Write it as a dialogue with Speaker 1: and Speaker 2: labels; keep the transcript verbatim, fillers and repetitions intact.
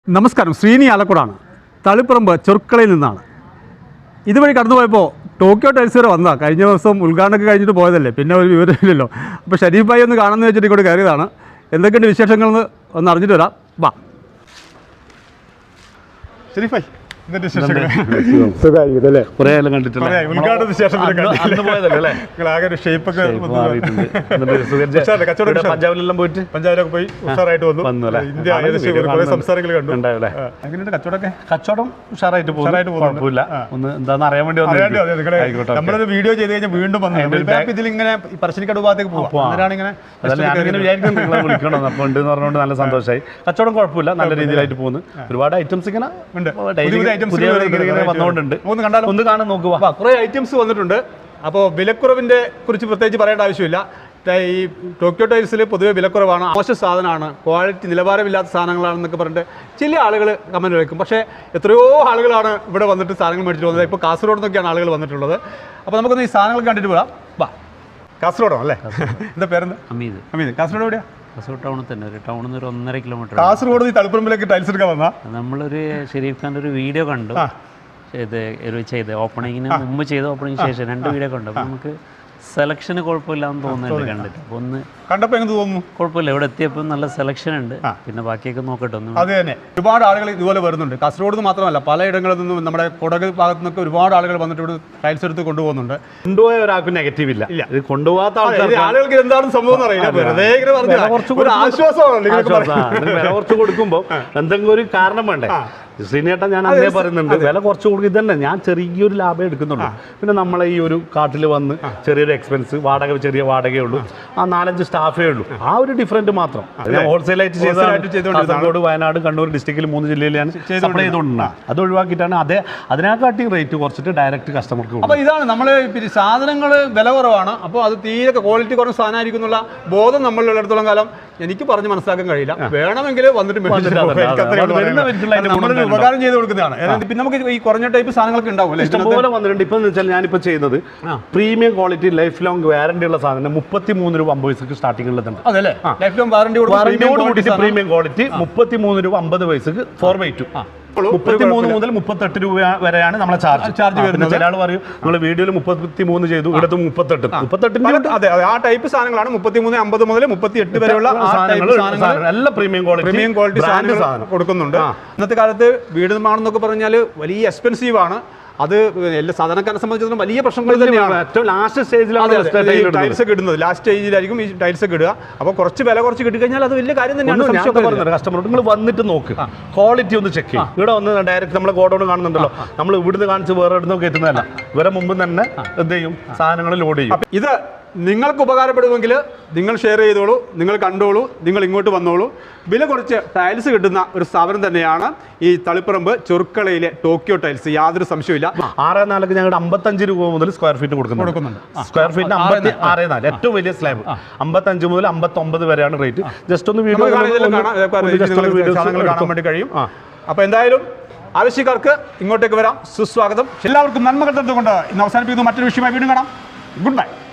Speaker 1: നമസ്കാരം, ശ്രീനി ആലക്കുടാണ്. തളിപ്പറമ്പ് ചെറുക്കളയിൽ നിന്നാണ്. ഇതുവഴി കടന്നു പോയപ്പോൾ ടോക്കിയോ ടൈൽസ് വരെ വന്നതാണ്. കഴിഞ്ഞ ദിവസം ഉദ്ഘാടനമൊക്കെ കഴിഞ്ഞിട്ട് പോയതല്ലേ, പിന്നെ ഒരു വിവരമില്ലല്ലോ. അപ്പോൾ ഷരീഫ് ഭായി ഒന്ന് കാണാമെന്ന് വെച്ചിട്ട് ഇങ്ങോട്ട് കയറിയതാണ്. എന്തൊക്കെയുണ്ട് വിശേഷങ്ങളെന്ന് ഒന്ന് അറിഞ്ഞിട്ട് വരാം. വാ ഷരീഫ് ഭായി, സുഖമായിരിക്കും. കുറേ കാലം കണ്ടിട്ടില്ല. ഉദ്ഘാടനത്തിന് ശേഷം പഞ്ചാബിലെല്ലാം പോയിട്ട് പഞ്ചാബിലൊക്കെ പോയി ഉഷാറായിട്ട് വന്നു. ഇന്ത്യ കുറെ സംസ്ഥാനങ്ങൾ കണ്ടു. എങ്ങനെയുണ്ട് കച്ചവടമൊക്കെ? കച്ചവടം ഉഷാറായിട്ട് കുഴപ്പമില്ല. ഒന്ന് എന്താണെന്ന് അറിയാൻ വേണ്ടി നമ്മളൊരു വീഡിയോ ചെയ്ത് കഴിഞ്ഞാൽ വീണ്ടും വന്നു ഇതിലിങ്ങനെ പറശ്ശിനിക്കടവ് ഭാഗത്തേക്ക് പോകും. അങ്ങനെയാണ് ഇങ്ങനെ വിചാരിക്കുന്നത് നിങ്ങളെ വിളിക്കണം. അപ്പോൾ ഉണ്ട് എന്ന് പറഞ്ഞുകൊണ്ട് നല്ല സന്തോഷമായി. കച്ചവടം കുഴപ്പമില്ല, നല്ല രീതിയിലായിട്ട് പോകുന്നു. ഒരുപാട് ഐറ്റംസ് ഇങ്ങനെ ഉണ്ട്. വന്നുകൊണ്ടുണ്ട്. ഒന്ന് കണ്ടാലും ഒന്ന് കാണാൻ നോക്കുക. കുറേ ഐറ്റംസ് വന്നിട്ടുണ്ട്. അപ്പോൾ വിലക്കുറവിൻ്റെ കുറിച്ച് പ്രത്യേകിച്ച് പറയേണ്ട ആവശ്യമില്ല. ഈ ടോക്കിയോ ടൈൽസിൽ പൊതുവെ വിലക്കുറവാണ്, മോശം സാധനമാണ്, ക്വാളിറ്റി നിലവാരമില്ലാത്ത സാധനങ്ങളാണെന്നൊക്കെ പറഞ്ഞിട്ട് ചില ആളുകൾ കമൻറ്റ് വയ്ക്കും. പക്ഷേ എത്രയോ ആളുകളാണ് ഇവിടെ വന്നിട്ട് സാധനങ്ങൾ മേടിച്ചിട്ട് വന്നത്. ഇപ്പോൾ കാസർഗോഡ് നിന്നൊക്കെയാണ് ആളുകൾ വന്നിട്ടുള്ളത്. അപ്പോൾ നമുക്കൊന്ന് ഈ സാധനങ്ങൾ കണ്ടിട്ട് പോകാം. വാ, കാസർഗോഡോ അല്ലേ? എന്താ പേരെന്താ? അമീദ്. അമീദ്, കാസർഗോഡ് എവിടെയാണ്? കാസർഗോഡ് ടൗണിൽ തന്നെ. ഒരു ടൗണിൽ നിന്ന് ഒരു ഒന്നര കിലോമീറ്റർ. കാസർഗോഡ് ഈ തളിപ്പറമ്പിലേക്ക് ടൈൽസ് എടുക്കാൻ വന്നാൽ നമ്മളൊരു ഷെരീഫ് ഖാൻ്റെ ഒരു വീഡിയോ കണ്ടു. ഇത് ചെയ്ത് ഓപ്പണിങ്ങിന് മുമ്പ് ചെയ്ത ഓപ്പണിങ്ങിന് ശേഷം രണ്ട് വീഡിയോ കണ്ടു. അപ്പോൾ നമുക്ക് സെലക്ഷന് കുഴപ്പമില്ലാന്ന് തോന്നുന്നുണ്ട് കണ്ടിട്ട്. അപ്പോൾ ഒന്ന് കണ്ടപ്പോൾ എങ്ങനെ തോന്നുന്നു? കുഴപ്പമില്ല, ഇവിടെ എത്തിയപ്പോൾ നല്ല സെലക്ഷൻ ഉണ്ട്. പിന്നെ ബാക്കിയൊക്കെ നോക്കട്ടെ ഒന്ന്. അത് തന്നെ, ഒരുപാട് ആളുകൾ ഇതുപോലെ വരുന്നുണ്ട്. കാസർഗോഡ് നിന്ന് മാത്രമല്ല, പലയിടങ്ങളിൽ നിന്നും നമ്മുടെ കൊടക് ഭാഗത്തു നിന്നൊക്കെ ഒരുപാട് ആളുകൾ വന്നിട്ട് ഇവിടെ ടൈൽസ് എടുത്ത് കൊണ്ടുപോകുന്നുണ്ട്. കൊണ്ടുപോയ ഒരാൾക്ക് നെഗറ്റീവ് ഇല്ല. ഇല്ല, ഇത് കൊണ്ടുപോകാത്ത ആളുകൾക്ക് എന്താണ് സംഭവം അറിയില്ല. വില കുറച്ച് കൊടുക്കുമ്പോൾ എന്തെങ്കിലും ഒരു കാരണം വേണ്ടേ? ശ്രീനേട്ടൻ ഞാൻ അങ്ങനെ പറയുന്നുണ്ട്, വില കുറച്ച് കൊടുക്കും. ഇതന്നെ ഞാൻ ചെറിയൊരു ലാഭം എടുക്കുന്നുള്ളൂ. പിന്നെ നമ്മളെ ഈ ഒരു കാട്ടിൽ വന്ന് ചെറിയൊരു എക്സ്പെൻസ്, വാടക ചെറിയ വാടകയേ ഉള്ളൂ, ആ നാലഞ്ച് സ്റ്റാഫേ ഉള്ളൂ, ആ ഒരു ഡിഫറൻറ്റ് മാത്രം. ഞാൻ ഹോൾസെയിലായിട്ട് ചെയ്ത് കാസർഗോഡ്, വയനാട്, കണ്ണൂർ ഡിസ്ട്രിക്റ്റിൽ മൂന്ന് ജില്ലയിൽ ഞാൻ സപ്ലൈ ചെയ്തുകൊണ്ടാണ്. അത് ഒഴിവാക്കിയിട്ടാണ് അതേ അതിനെക്കാട്ടി റേറ്റ് കുറച്ചിട്ട് ഡയറക്റ്റ് കസ്റ്റമർക്ക്. അപ്പോൾ ഇതാണ് നമ്മൾ സാധനങ്ങൾ വില കുറവാണ്. അപ്പോൾ അത് തീരെ ക്വാളിറ്റി കുറഞ്ഞ സാധനമായിരിക്കും എന്നുള്ള ബോധം നമ്മളിടത്തോളം കാലം എനിക്ക് പറഞ്ഞ് മനസ്സിലാക്കാൻ കഴിയില്ല. വേണമെങ്കിൽ വന്നിട്ട് ഉപകാരം ചെയ്ത് കൊടുക്കുന്നതാണ്. പിന്നെ നമുക്ക് ഈ കുറഞ്ഞ ടൈപ്പ് സാധനങ്ങളൊക്കെ ഉണ്ടാവും ഇഷ്ടംപോലെ വന്നിട്ടുണ്ട്. ഇപ്പം എന്ന് വെച്ചാൽ ഞാനിപ്പോൾ ചെയ്യുന്നത് premium quality life long warranty ഉള്ള സാധനം മുപ്പത്തി മൂന്ന് രൂപ അമ്പത് പൈസക്ക് സ്റ്റാർട്ടിംഗ് ഉള്ളതുണ്ട്. അതല്ലേ, ലൈഫ് ലോങ് വാറന്റിയോട് പ്രീമിയം ക്വാളിറ്റി മുപ്പത്തി മൂന്ന് രൂപ അമ്പത് പൈസക്ക് ഫോർ ബൈ ടു മുപ്പത്തി മൂന്ന് മുതൽ മുപ്പത്തെട്ട് രൂപ വരെയാണ് നമ്മളെ ചാർജ് ചാർജ് വരുന്നത്. ചില ആൾ പറയും നമ്മൾ വീഡിയോയിൽ മുപ്പത്തി മൂന്ന് ചെയ്തു, ഇവിടുത്തെ മുപ്പത്തെട്ട് മുപ്പത്തെട്ടിന്റെ അതെ ആ ടൈപ്പ് സാധനങ്ങളാണ്. മുപ്പത്തി മൂന്ന് അമ്പത് മുതൽ മുപ്പത്തി എട്ട് വരെയുള്ള നല്ല പ്രീമിയം ക്വാളിറ്റി പ്രീമിയം ക്വാളിറ്റി സാധനങ്ങൾ കൊടുക്കുന്നുണ്ട്. ഇന്നത്തെ കാലത്ത് വീട് നിർമ്മാണം എന്നൊക്കെ പറഞ്ഞാൽ വലിയ എക്സ്പെൻസീവ് ആണ്. അത് എല്ലാ സാധാരണക്കാരെ സംബന്ധിച്ചിടത്തോളം വലിയ പ്രശ്നങ്ങൾ തന്നെയാണ്. ഏറ്റവും ലാസ്റ്റ് സ്റ്റേജിലാണ് ടൈൽസ് ഒക്കെ ഇടുന്നത്. ലാസ്റ്റ് സ്റ്റേജിലായിരിക്കും ഈ ടൈൽസ് ഒക്കെ ഇടുക. അപ്പോൾ കുറച്ച് വില കുറച്ച് കിട്ടിക്കഴിഞ്ഞാൽ അത് വലിയ കാര്യം തന്നെയാണ്. കസ്റ്റമറോട് നിങ്ങൾ വന്നിട്ട് നോക്ക്, ക്വാളിറ്റി ഒന്ന് ചെക്ക് ചെയ്യും. ഇവിടെ വന്ന് ഡയറക്റ്റ് നമ്മളെ ഗോഡൗൺ കാണുന്നുണ്ടല്ലോ, നമ്മൾ ഇവിടുന്ന് കാണിച്ച് വേറെ ഇടുന്ന കയറ്റുന്നതല്ല. ഇവരെ മുമ്പ് തന്നെ എന്ത് ചെയ്യും, സാധനങ്ങൾ ലോഡ് ചെയ്യും. ഇത് നിങ്ങൾക്ക് ഉപകാരപ്പെടുമെങ്കിൽ നിങ്ങൾ ഷെയർ ചെയ്തോളൂ, നിങ്ങൾ കണ്ടോളൂ, നിങ്ങൾ ഇങ്ങോട്ട് വന്നോളൂ. വില കുറച്ച് ടൈൽസ് കിട്ടുന്ന ഒരു സ്ഥാപനം തന്നെയാണ് ഈ തളിപ്പറമ്പ് ചെറുക്കളയിലെ ടോക്കിയോ ടൈൽസ്. യാതൊരു സംശയമില്ല. ആറ് നാലൊക്കെ ഞങ്ങളുടെ അമ്പത്തഞ്ച് രൂപ മുതൽ സ്ക്വയർ ഫീറ്റ് കൊടുക്കുന്നുണ്ട്. സ്ക്വയർ ഫീറ്റിന് അമ്പത്തി ആറ് നാല് ഏറ്റവും വലിയ സ്ലാബ് അമ്പത്തഞ്ച് മുതൽ അമ്പത്തൊമ്പത് വരെയാണ് റേറ്റ്. ജസ്റ്റ് ഒന്ന് വീഡിയോ കാണാൻ വേണ്ടി കഴിയും. അപ്പോൾ എന്തായാലും ആവശ്യക്കാർക്ക് ഇങ്ങോട്ടേക്ക് വരാം, സുസ്വാഗതം. എല്ലാവർക്കും നന്മകൾ തന്നുകൊണ്ട് ഇന്ന് അവസാനിപ്പിക്കുന്നു. മറ്റൊരു വിഷയമായി വീണ്ടും കാണാം. Good by.